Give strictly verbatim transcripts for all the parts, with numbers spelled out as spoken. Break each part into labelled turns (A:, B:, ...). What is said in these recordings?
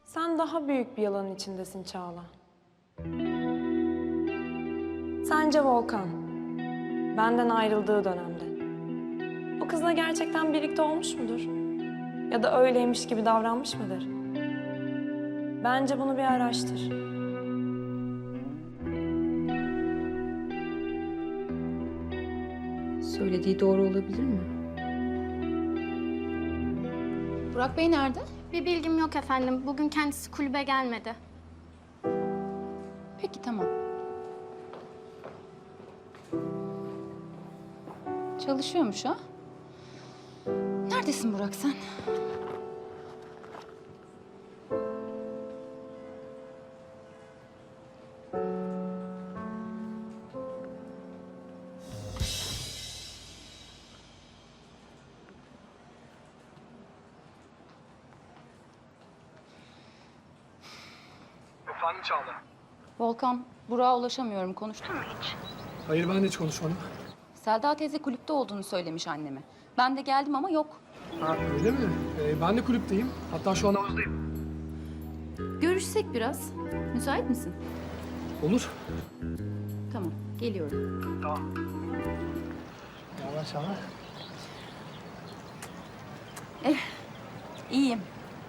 A: Sen daha büyük bir yalanın içindesin Çağla. Sence Volkan, benden ayrıldığı dönemde o kızla gerçekten birlikte olmuş mudur? Ya da öyleymiş gibi davranmış mıdır? Bence bunu bir araştır.
B: Söylediği doğru olabilir mi? Burak Bey nerede?
C: Bir bilgim yok efendim. Bugün kendisi kulübe gelmedi.
B: Peki tamam. Çalışıyormuş ha? Neredesin Burak sen?
D: Efendim Çağla?
B: Volkan, Burak'a ulaşamıyorum. Konuştun mu hiç?
D: Hayır, ben de hiç konuşmadım.
B: Selda teyze kulüpte olduğunu söylemiş anneme. Ben de geldim ama yok.
D: Ha, öyle mi? Ee, ben de kulüpteyim. Hatta şu an havuzdayım.
B: Görüşsek biraz. Müsait misin?
D: Olur.
B: Tamam, geliyorum.
D: Tamam. Ne haber Çağla?
B: İyiyim.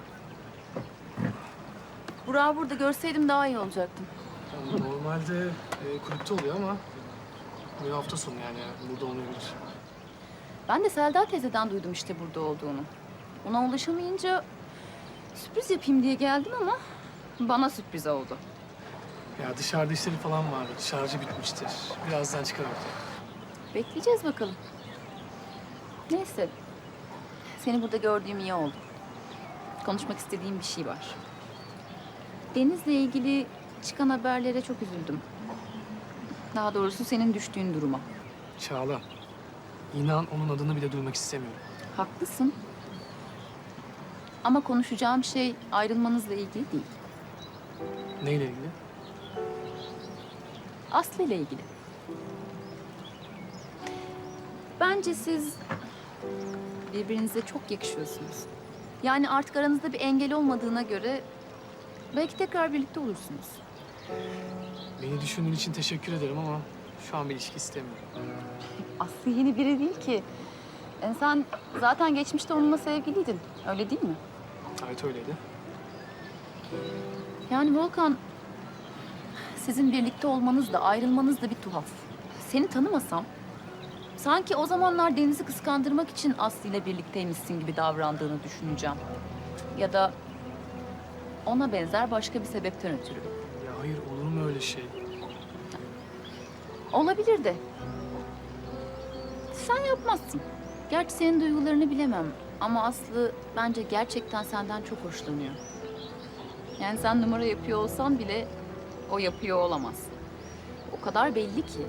B: Burak'ı burada görseydim daha iyi olacaktım.
D: Normalde e, kulüpte oluyor ama bu hafta sonu yani burada olmayabilir.
B: Ben de Selda teyzeden duydum işte burada olduğunu. Ona ulaşamayınca sürpriz yapayım diye geldim ama bana sürpriz oldu.
D: Ya dışarıda işleri falan vardı. Şarjı bitmiştir. Birazdan çıkar ortaya.
B: Bekleyeceğiz bakalım. Neyse. Seni burada gördüğüm iyi oldu. Konuşmak istediğim bir şey var. Deniz'le ilgili çıkan haberlere çok üzüldüm. Daha doğrusu senin düştüğün duruma.
D: Çağla, inan onun adını bile duymak istemiyorum.
B: Haklısın. Ama konuşacağım şey ayrılmanızla ilgili değil.
D: Neyle ilgili?
B: Aslı ile ilgili. Bence siz birbirinize çok yakışıyorsunuz. Yani artık aranızda bir engel olmadığına göre belki tekrar birlikte olursunuz.
D: Beni düşündüğün için teşekkür ederim ama şu an bir ilişki istemiyorum.
B: Aslı yeni biri değil ki. Yani sen zaten geçmişte onunla sevgiliydin. Öyle değil mi?
D: Evet öyleydi.
B: Yani Volkan, sizin birlikte olmanız da ayrılmanız da bir tuhaf. Seni tanımasam, sanki o zamanlar Deniz'i kıskandırmak için Aslı ile birlikteymişsin gibi davrandığını düşüneceğim. Ya da ona benzer başka bir sebepten ötürü.
D: Ya hayır, olur mu öyle şey?
B: Olabilir de. Sen yapmazsın. Gerçi senin duygularını bilemem. Ama Aslı bence gerçekten senden çok hoşlanıyor. Yani sen numara yapıyor olsan bile o yapıyor olamaz. O kadar belli ki.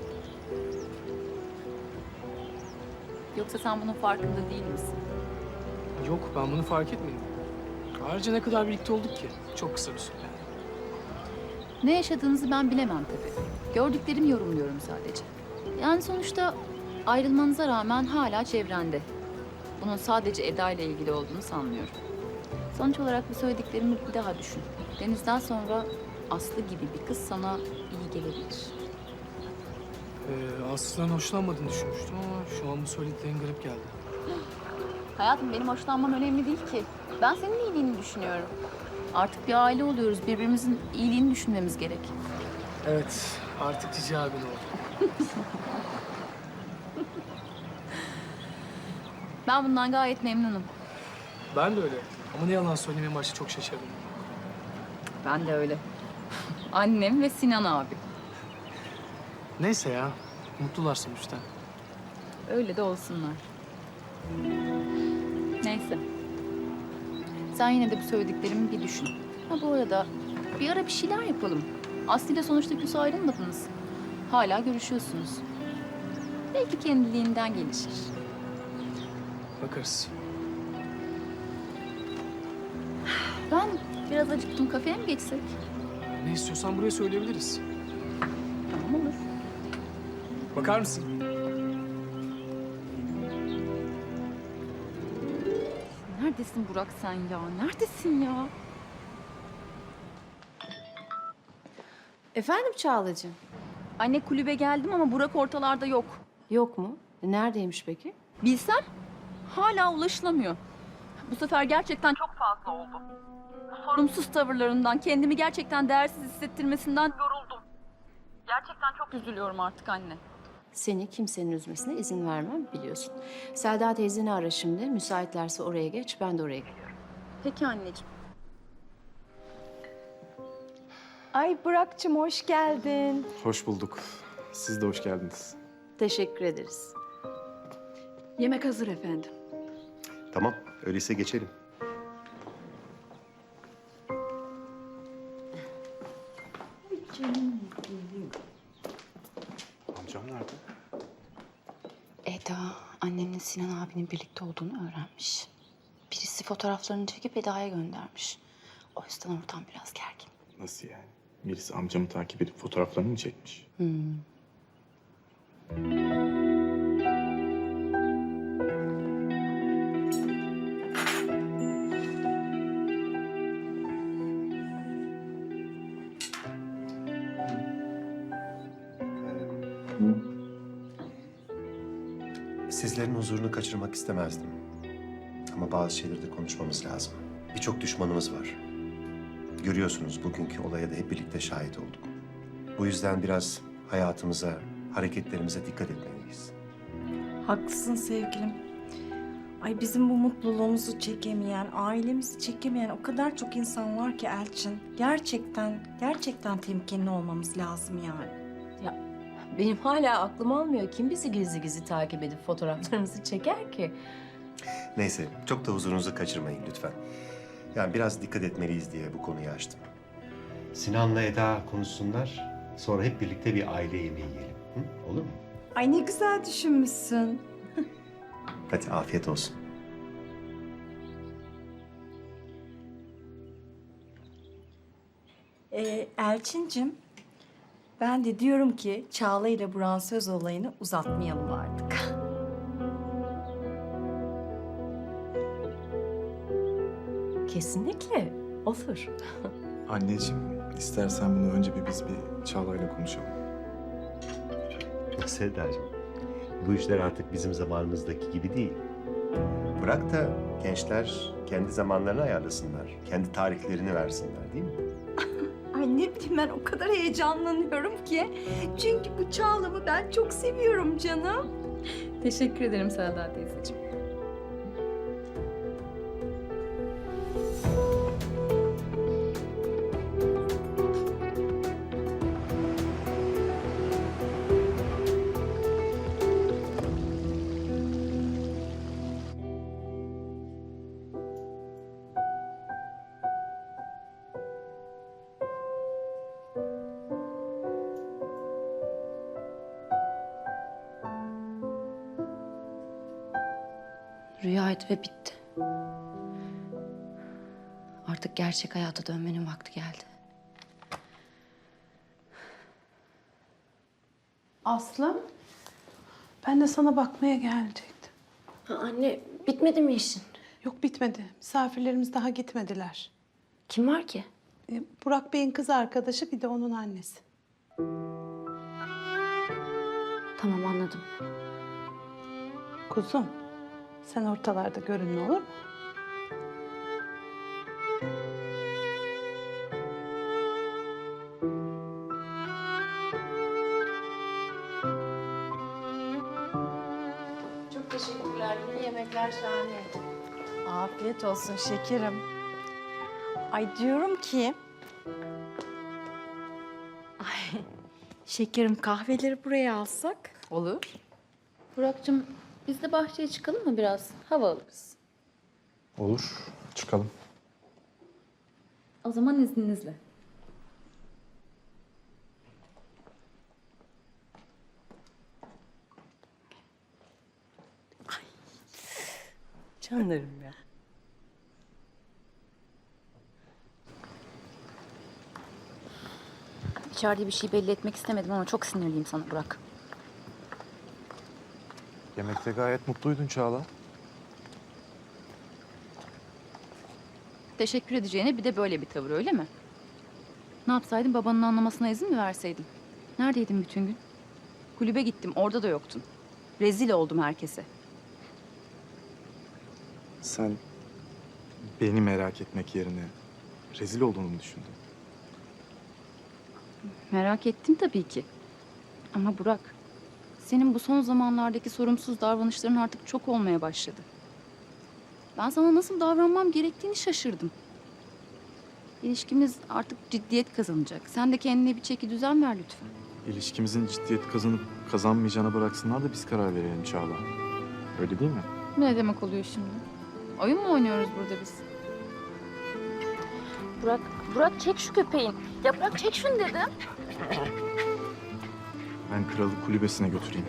B: Yoksa sen bunun farkında değil misin?
D: Yok, ben bunu fark etmedim. Ayrıca ne kadar birlikte olduk ki? Çok kısa bir süre.
B: Ne yaşadığınızı ben bilemem tabii. Gördüklerimi yorumluyorum sadece. Yani sonuçta ayrılmanıza rağmen hala çevrende. Bunun sadece Eda ile ilgili olduğunu sanmıyorum. Sonuç olarak bu söylediklerimi bir daha düşün. Deniz'den sonra Aslı gibi bir kız sana iyi gelebilir.
D: Ee, Aslı'dan hoşlanmadığını düşünmüştüm ama şu an bu söylediklerin garip geldi.
B: Hayatım benim hoşlanmam önemli değil ki. Ben senin iyiliğini düşünüyorum. Artık bir aile oluyoruz. Birbirimizin iyiliğini düşünmemiz gerek.
D: Evet, artık Cici abin oldu.
B: Ben bundan gayet memnunum.
D: Ben de öyle. Ama ne yalan söyleyeyim, en başta çok şaşırdım.
B: Ben de öyle. Annem ve Sinan abi.
D: Neyse ya, mutlular sonuçta.
B: Öyle de olsunlar. Neyse. Sen yine de bu söylediklerimi bir düşün. Ha bu arada bir ara bir şeyler yapalım. Aslı ile sonuçta küs ayrılmadınız. Hala görüşüyorsunuz. Belki kendiliğinden gelişir.
D: Bakarız.
B: Ben biraz acıktım. Kafeye mi geçsek?
D: Ne istiyorsan buraya söyleyebiliriz.
B: Tamam olur.
D: Bakar mısın?
B: Neredesin Burak sen ya? Neredesin ya?
E: Efendim Çağlacığım?
B: Anne kulübe geldim ama Burak ortalarda yok.
E: Yok mu? E, Neredeymiş peki?
B: Bilsem hala ulaşılamıyor. Bu sefer gerçekten çok fazla oldu. Bu sorumsuz tavırlarından, kendimi gerçekten değersiz hissettirmesinden yoruldum. Gerçekten çok üzülüyorum artık anne.
E: Seni kimsenin üzmesine izin vermem biliyorsun. Selda teyzeni ara şimdi. Müsaitlerse oraya geç, ben de oraya geliyorum.
B: Peki anneciğim.
F: Ay Burak'cığım hoş geldin.
G: Hoş bulduk. Siz de hoş geldiniz.
E: Teşekkür ederiz.
B: Yemek hazır efendim.
H: Tamam, öyleyse geçelim.
G: Amcam nerede?
I: Eda, annemle Sinan abinin birlikte olduğunu öğrenmiş. Birisi fotoğraflarını çekip Eda'ya göndermiş. O yüzden ortam biraz gergin.
G: Nasıl yani? Birisi amcamı takip edip fotoğraflarını mı çekmiş?
I: Hmm.
H: Sizlerin huzurunu kaçırmak istemezdim. Ama bazı şeyleri de konuşmamız lazım. Birçok düşmanımız var. Görüyorsunuz bugünkü olaya da hep birlikte şahit olduk. Bu yüzden biraz hayatımıza, hareketlerimize dikkat etmeliyiz.
F: Haklısın sevgilim. Ay bizim bu mutluluğumuzu çekemeyen, ailemizi çekemeyen o kadar çok insan var ki Elçin. Gerçekten, gerçekten temkinli olmamız lazım yani.
E: Benim hala aklım almıyor. Kim bizi gizli gizli takip edip fotoğraflarımızı çeker ki?
H: Neyse, çok da huzurunuzu kaçırmayın lütfen. Yani biraz dikkat etmeliyiz diye bu konuyu açtım. Sinan'la Eda konuşsunlar. Sonra hep birlikte bir aile yemeği yiyelim. Hı? Olur mu?
F: Ay ne güzel düşünmüşsün.
H: Hadi afiyet olsun.
F: Ee, Elçincim, ben de diyorum ki Çağla ile Burak'ın söz olayını uzatmayalım artık.
E: Kesinlikle. Olur.
G: Anneciğim, istersen bunu önce bir biz bir Çağla'yla konuşalım.
H: Sevdacığım, bu işler artık bizim zamanımızdaki gibi değil. Bırak da gençler kendi zamanlarını ayarlasınlar. Kendi tarihlerini versinler değil mi?
F: Ay ne bileyim ben o kadar heyecanlanıyorum ki. Çünkü bu Çağla'mı ben çok seviyorum canım.
B: Teşekkür ederim Selda teyzeciğim.
I: Rüyaydı ve bitti. Artık gerçek hayata dönmenin vakti geldi.
J: Aslım, ben de sana bakmaya gelecektim.
E: Ha, anne, bitmedi mi işin?
J: Yok bitmedi. Misafirlerimiz daha gitmediler.
E: Kim var ki?
J: E, Burak Bey'in kız arkadaşı bir de onun annesi.
I: Tamam, anladım.
J: Kuzum, sen ortalarda görünme olur mu?
E: Çok teşekkürler. Yine yemekler şahane.
F: Afiyet olsun şekerim. Ay diyorum ki... Ay şekerim kahveleri buraya alsak.
B: Olur. Burak'cığım biz de bahçeye çıkalım mı biraz? Hava alırız.
G: Olur, çıkalım.
B: O zaman izninizle.
E: Canlarım ya.
I: İçeride bir şey belli etmek istemedim ama çok sinirliyim sana Burak.
G: Yemekte gayet mutluydun Çağla.
B: Teşekkür edeceğine bir de böyle bir tavır öyle mi? Ne yapsaydım, babanın anlamasına izin mi verseydim? Neredeydin bütün gün? Kulübe gittim, orada da yoktun. Rezil oldum herkese.
G: Sen beni merak etmek yerine rezil olduğunu mu düşündün?
B: Merak ettim tabii ki. Ama Burak, senin bu son zamanlardaki sorumsuz davranışların artık çok olmaya başladı. Ben sana nasıl davranmam gerektiğini şaşırdım. İlişkimiz artık ciddiyet kazanacak. Sen de kendine bir çeki düzen ver lütfen.
G: İlişkimizin ciddiyet kazanıp kazanmayacağına bıraksınlar da biz karar verelim Çağla. Öyle değil mi?
B: Ne demek oluyor şimdi? Oyun mu oynuyoruz burada biz? Burak, Burak çek şu köpeğin. Ya Burak çek şunu dedim.
G: Ben kralı kulübesine götüreyim.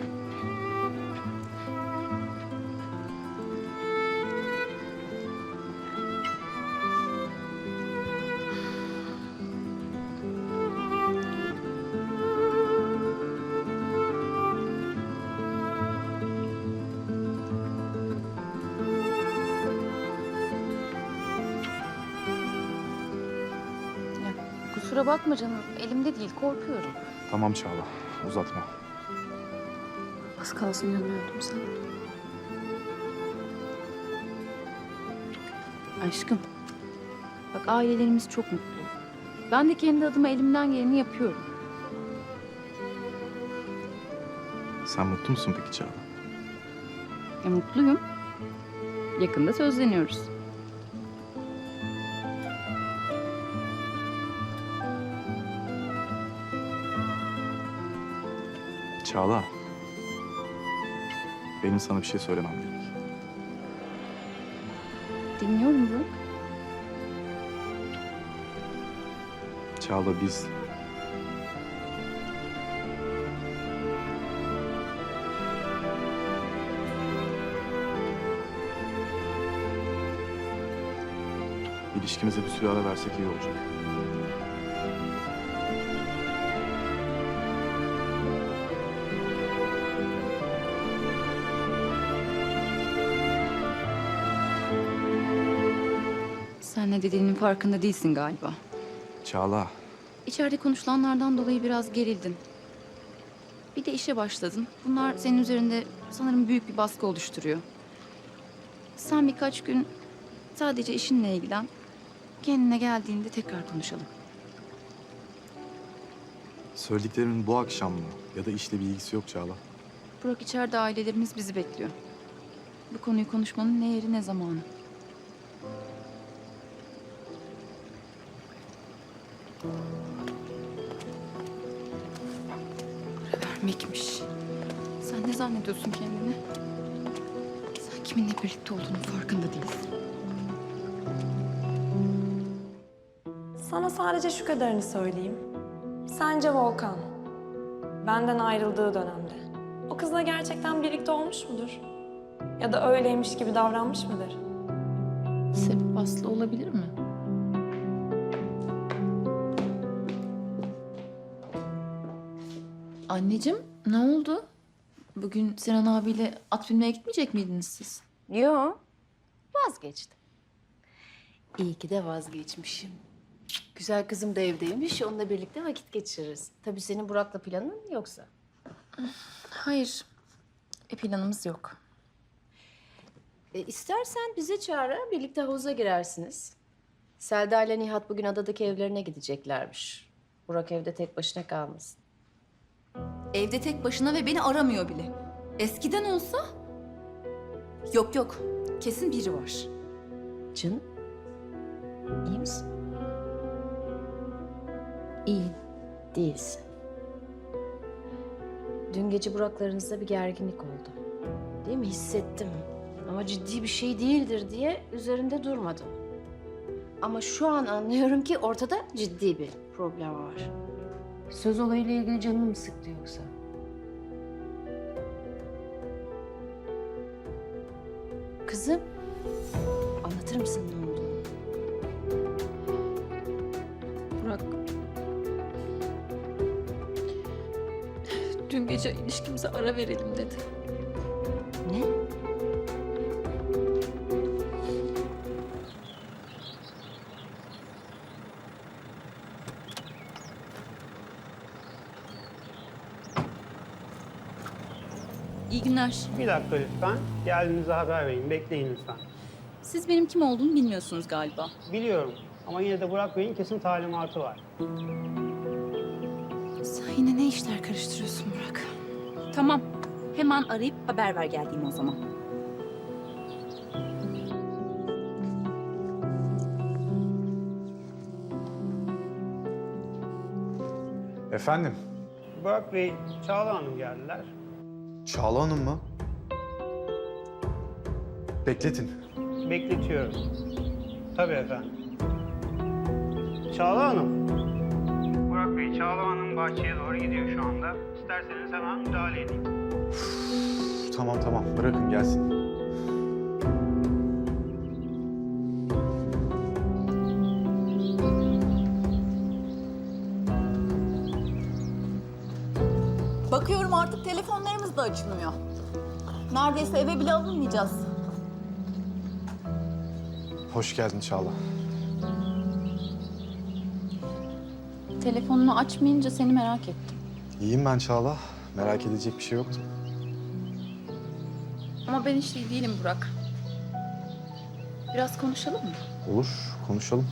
B: Kusura bakma canım, elimde değil, korkuyorum.
G: Tamam Çağla, uzatma.
B: Az kalsın yanıyordum sana. Aşkım, bak ailelerimiz çok mutlu. Ben de kendi adıma elimden geleni yapıyorum.
G: Sen mutlu musun peki Çağla?
B: E, mutluyum. Yakında sözleniyoruz.
G: Çağla. Benim sana bir şey söylemem gerek.
B: Dinliyorum Burak.
G: Çağla biz... İlişkimize bir süre ara versek iyi olacak.
B: Sen ne dediğinin farkında değilsin galiba.
G: Çağla,
B: İçeride konuşulanlardan dolayı biraz gerildin. Bir de işe başladın. Bunlar senin üzerinde sanırım büyük bir baskı oluşturuyor. Sen birkaç gün sadece işinle ilgilen. Kendine geldiğinde tekrar konuşalım.
G: söylediklerimin bu akşam mı ya da işle bir ilgisi yok Çağla.
B: Burak, içeride ailelerimiz bizi bekliyor. Bu konuyu konuşmanın ne yeri ne zamanı. Para vermekmiş. Sen ne zannediyorsun kendini? Sen kiminle birlikte olduğunun farkında değilsin.
A: Sana sadece şu kadarını söyleyeyim. Sence Volkan, benden ayrıldığı dönemde o kızla gerçekten birlikte olmuş mudur? Ya da öyleymiş gibi davranmış mıdır?
B: Sebep Aslı olabilir mi? Anneciğim, ne oldu? Bugün Sinan abiyle at binmeye gitmeyecek miydiniz siz?
E: Yo, vazgeçtim. İyi ki de vazgeçmişim. Güzel kızım da evdeymiş, onunla birlikte vakit geçiririz. Tabii senin Burak'la planın yoksa.
B: Hayır, bir planımız yok.
E: E, istersen bize çağır, birlikte havuza girersiniz. Selda ile Nihat bugün adadaki evlerine gideceklermiş. Burak evde tek başına kalmasın.
B: Evde tek başına ve beni aramıyor bile. Eskiden olsa... Yok yok, kesin biri var.
E: Canım, iyi misin?
B: İyi.
E: Değilsin. Dün gece Burak'larınızda bir gerginlik oldu. Değil mi? Hissettim. Ama ciddi bir şey değildir diye üzerinde durmadım. Ama şu an anlıyorum ki ortada ciddi bir problem var. Söz olayıyla ilgili canını mı sıktı yoksa? Kızım, anlatır mısın ne olduğunu?
B: Burak... Dün gece ilişkimize ara verelim dedi.
E: Ne?
B: İyi günler.
K: Bir dakika lütfen. Geldiğinizde haber verin. Bekleyin lütfen.
B: Siz benim kim olduğumu bilmiyorsunuz galiba.
K: Biliyorum ama yine de Burak Bey'in kesin talimatı var.
B: Sen yine ne işler karıştırıyorsun Burak? Tamam. Hemen arayıp haber ver geldiğimi o zaman.
G: Efendim?
K: Burak Bey, Çağla Hanım geldiler.
G: Çağla Hanım mı? Bekletin.
K: Bekletiyorum. Tabii efendim. Çağla Hanım. Burak Bey, Çağla Hanım bahçeye doğru gidiyor şu anda. İsterseniz hemen müdahale edeyim.
G: Tamam tamam bırakın gelsin.
B: Bakıyorum artık telefonlarımız da açılmıyor. Neredeyse eve bile alınmayacağız.
G: Hoş geldin Çağla.
B: Telefonunu açmayınca seni merak ettim.
G: İyiyim ben Çağla. Merak edecek bir şey yoktu.
B: Ama ben hiç iyi değilim Burak. Biraz konuşalım mı?
G: Olur, konuşalım.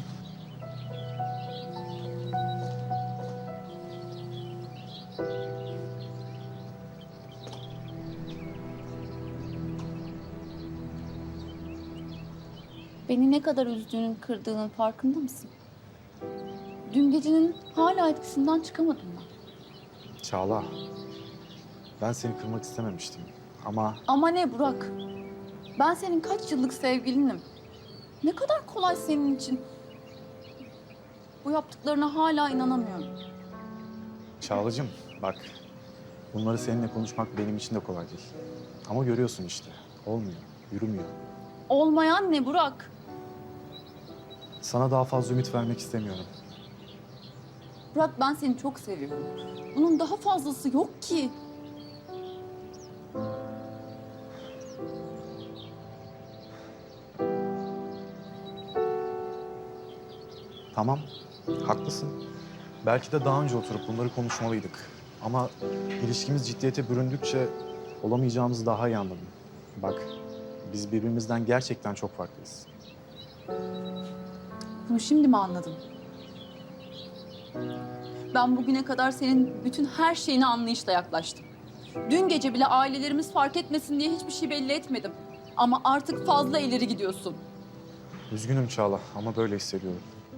B: Beni ne kadar üzdüğünün, kırdığının farkında mısın? Dün gecenin hala etkisinden çıkamadım ben.
G: Çağla, ben seni kırmak istememiştim ama
B: Ama ne Burak? Ben senin kaç yıllık sevgilinim. Ne kadar kolay senin için. Bu yaptıklarına hala inanamıyorum.
G: Çağlacığım bak, bunları seninle konuşmak benim için de kolay değil. Ama görüyorsun işte, olmuyor, yürümüyor.
B: Olmayan ne Burak?
G: Sana daha fazla ümit vermek istemiyorum.
B: Burak ben seni çok seviyorum. Bunun daha fazlası yok ki.
G: Tamam, haklısın. Belki de daha önce oturup bunları konuşmalıydık. Ama ilişkimiz ciddiyete büründükçe olamayacağımızı daha iyi anladım. Bak, biz birbirimizden gerçekten çok farklıyız.
B: Bunu şimdi mi anladın? Ben bugüne kadar senin bütün her şeyine anlayışla yaklaştım. Dün gece bile ailelerimiz fark etmesin diye hiçbir şey belli etmedim. Ama artık fazla ileri gidiyorsun.
G: Üzgünüm Çağla ama böyle hissediyorum.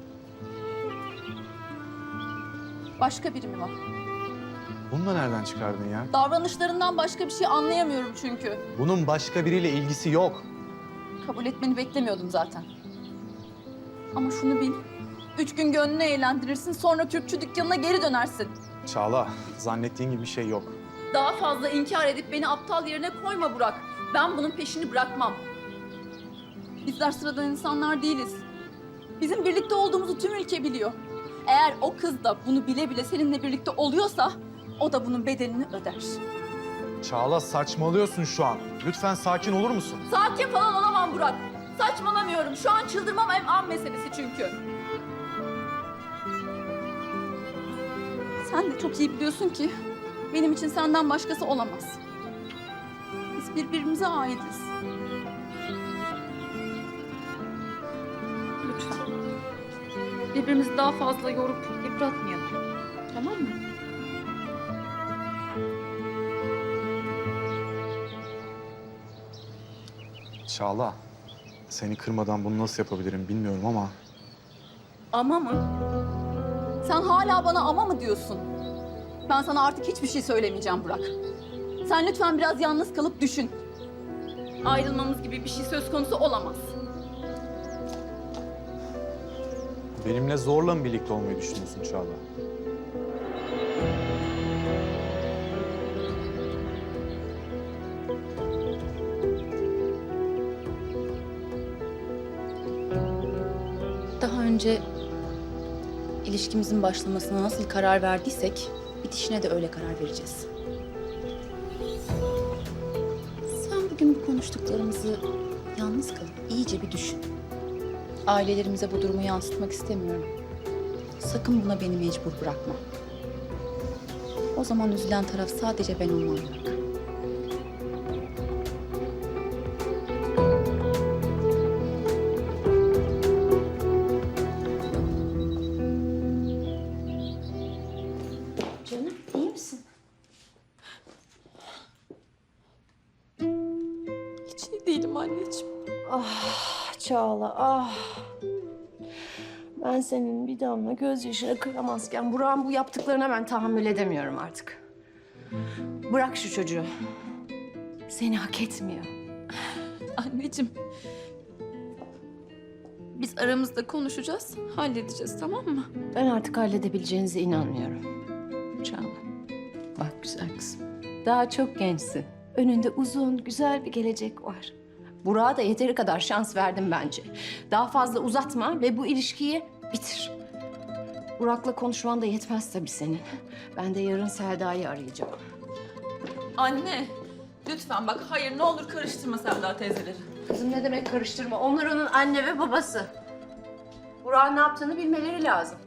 B: Başka biri mi var?
G: Bunu da nereden çıkardın ya?
B: Davranışlarından başka bir şey anlayamıyorum çünkü.
G: Bunun başka biriyle ilgisi yok.
B: Kabul etmeni beklemiyordum zaten. Ama şunu bil. Üç gün gönlünü eğlendirirsin, sonra Kürkçü dükkanına geri dönersin.
G: Çağla, zannettiğin gibi bir şey yok.
B: Daha fazla inkar edip beni aptal yerine koyma Burak. Ben bunun peşini bırakmam. Bizler sıradan insanlar değiliz. Bizim birlikte olduğumuzu tüm ülke biliyor. Eğer o kız da bunu bile bile seninle birlikte oluyorsa, o da bunun bedelini öder.
G: Çağla saçmalıyorsun şu an. Lütfen sakin olur musun?
B: Sakin falan olamam Burak. Saçmalamıyorum. Şu an çıldırmam hem an meselesi çünkü. Sen de çok iyi biliyorsun ki benim için senden başkası olamaz. Biz birbirimize aitiz. Lütfen. Birbirimizi daha fazla yorup yıpratmayalım. Tamam mı?
G: Çağla, seni kırmadan bunu nasıl yapabilirim bilmiyorum ama...
B: Ama mı? Sen hala bana ama mı diyorsun? Ben sana artık hiçbir şey söylemeyeceğim Burak. Sen lütfen biraz yalnız kalıp düşün. Ayrılmamız gibi bir şey söz konusu olamaz.
G: Benimle zorla mı birlikte olmayı düşünüyorsun Çağla?
B: Daha önce ilişkimizin başlamasına nasıl karar verdiysek bitişine de öyle karar vereceğiz. Sen bugün bu konuştuklarımızı yalnız kalıp iyice bir düşün. Ailelerimize bu durumu yansıtmak istemiyorum. Sakın buna beni mecbur bırakma. O zaman üzülen taraf sadece ben olmam Burak. anneciğim.
E: Ah Çağla ah. Ben senin bir damla gözyaşına kıyamazken Burak'ın bu yaptıklarına ben tahammül edemiyorum artık. Bırak şu çocuğu. Seni hak etmiyor.
B: Anneciğim. Biz aramızda konuşacağız, halledeceğiz, tamam mı?
E: Ben artık halledebileceğinize inanmıyorum.
B: Çağla.
E: Bak güzel kızım. Daha çok gençsin. Önünde uzun, güzel bir gelecek var. Burak'a da yeteri kadar şans verdim bence. Daha fazla uzatma ve bu ilişkiyi bitir. Burak'la konuşman da yetmez tabii senin. Ben de yarın Selda'yı arayacağım.
B: Anne, lütfen bak hayır ne olur karıştırma Selda teyzeleri.
E: Kızım ne demek karıştırma? Onlar onun anne ve babası. Burak'ın ne yaptığını bilmeleri lazım.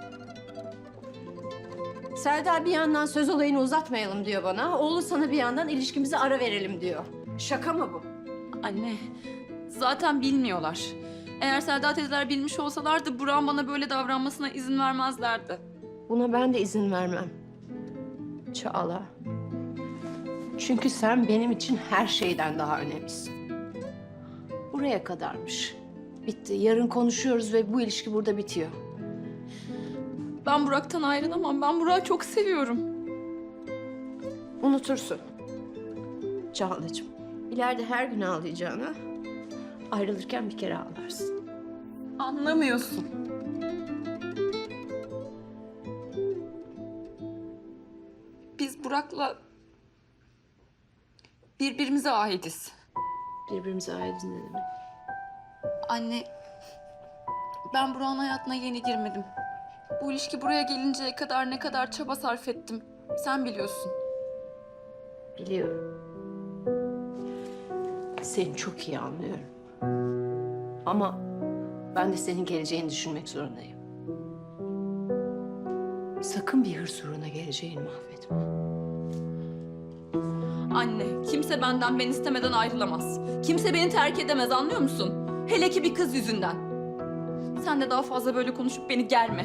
E: Selda bir yandan söz olayını uzatmayalım diyor bana. Oğlu sana bir yandan ilişkimize ara verelim diyor. Şaka mı bu?
B: Anne, zaten bilmiyorlar. Eğer Selda teyzeler bilmiş olsalardı Burak'ın bana böyle davranmasına izin vermezlerdi.
E: Buna ben de izin vermem. Çağla. Çünkü sen benim için her şeyden daha önemlisin. Buraya kadarmış. Bitti. Yarın konuşuyoruz ve bu ilişki burada bitiyor.
B: Ben Burak'tan ayrılamam. Ben Burak'ı çok seviyorum.
E: Unutursun. Çağlacığım. İleride her gün ağlayacağına ayrılırken bir kere ağlarsın.
B: Anlamıyorsun. Biz Burak'la birbirimize aitiz.
E: Birbirimize ayrılın ne demek?
B: Anne, ben Burak'ın hayatına yeni girmedim. Bu ilişki buraya gelinceye kadar ne kadar çaba sarf ettim. Sen biliyorsun.
E: Biliyorum. Seni çok iyi anlıyorum. Ama ben de senin geleceğini düşünmek zorundayım. Sakın bir hırs uğruna geleceğini mahvetme.
B: Anne, kimse benden ben istemeden ayrılamaz. Kimse beni terk edemez, anlıyor musun? Hele ki bir kız yüzünden. Sen de daha fazla böyle konuşup beni germe.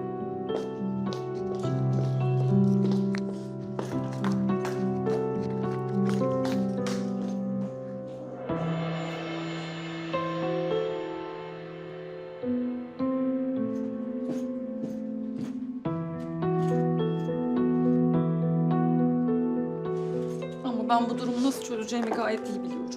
B: Ama ben bu durumu nasıl çözeceğimi gayet iyi biliyorum.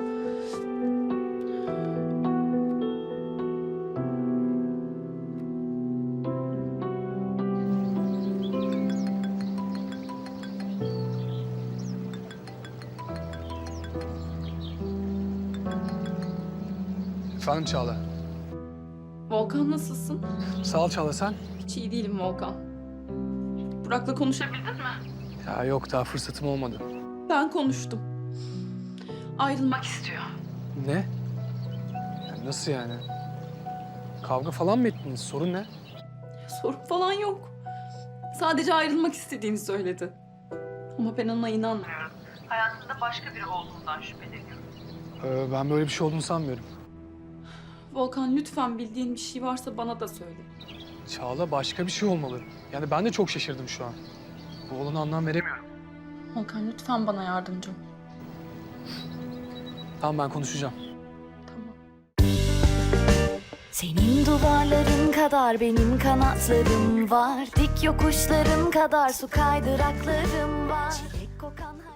D: Efendim Çağla.
B: Volkan nasılsın?
D: Sağ ol Çağla, sen?
B: Hiç iyi değilim Volkan. Burak'la konuşabildin mi?
D: Ya yok, daha fırsatım olmadı.
B: Ben konuştum. Ayrılmak istiyor.
D: Ne? Ya nasıl yani? Kavga falan mı ettiniz? Sorun ne?
B: Sorun falan yok. Sadece ayrılmak istediğini söyledi. Ama ben ona inanmıyorum.
J: Hayatında başka biri olduğundan şüpheleniyorum.
D: Ee, ben böyle bir şey olduğunu sanmıyorum.
B: Volkan lütfen bildiğin bir şey varsa bana da söyle.
D: Çağla, başka bir şey olmalı. Yani ben de çok şaşırdım şu an. Bu olana anlam veremiyorum.
B: Volkan lütfen bana yardımcı ol.
D: Tamam, ben konuşacağım.
B: Tamam.
L: Senin duvarların kadar benim kanatlarım var. Dik yokuşların kadar su kaydıraklarım var. Çilek kokan